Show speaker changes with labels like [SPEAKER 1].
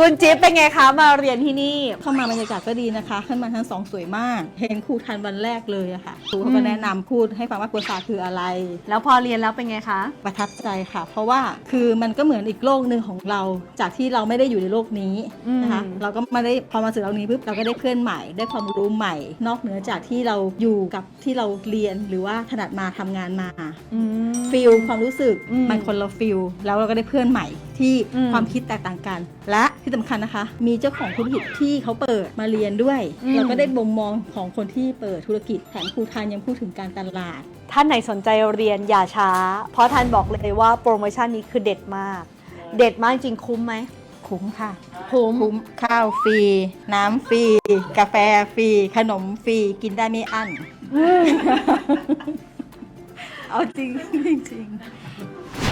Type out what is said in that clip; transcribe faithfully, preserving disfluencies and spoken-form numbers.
[SPEAKER 1] คุณจิ๊บเป็นไงคะมาเรียนที่นี่
[SPEAKER 2] เข้ามาบรรยากาศก็ดีนะคะขึ้นมาชั้นสองสวยมากเห็นครูทันวันแรกเลยอะค่ะครูเขาก็แนะนำพูดให้ฟังว่าครัวศาสตร์คืออะไร
[SPEAKER 1] แล้วพอเรียนแล้วเป็นไงคะ
[SPEAKER 2] ประทับใจค่ะ เพราะว่าคือมันก็เหมือนอีกโลกหนึ่งของเราจากที่เราไม่ได้อยู่ในโลกนี้นะคะเราก็ไม่ได้พอมาสู่โลกนี้ปุ๊บเราก็ได้เพื่อนใหม่ได้ความรู้ใหม่ นอกเหนือจากที่เราอยู่กับที่เราเรียนหรือว่าถนัดมาทำงานมาฟิลความรู้สึกมันคนละฟิลแล้วเราก็ได้เพื่อนใหม่ที่ความคิดแตกต่างกันและที่สำคัญนะคะมีเจ้าของธุรกิจที่เขาเปิดมาเรียนด้วยเราก็ได้บ่มมองของคนที่เปิดธุรกิจแถมครูทันยังพูดถึงการตลาด
[SPEAKER 1] ท่านไหนสนใจเรียนอย่าช้าเพราะท่านบอกเลยว่าโปรโมชั่นนี้คือเด็ดมาก เด็ดมากจริงคุ้มไหม
[SPEAKER 2] คุ้มค่ะ
[SPEAKER 1] คุ้ม
[SPEAKER 2] คุ้มข้าวฟรีน้ำฟรีกาแฟฟรีขนมฟรีกินได้ไม่อั้นเอาจริงจริง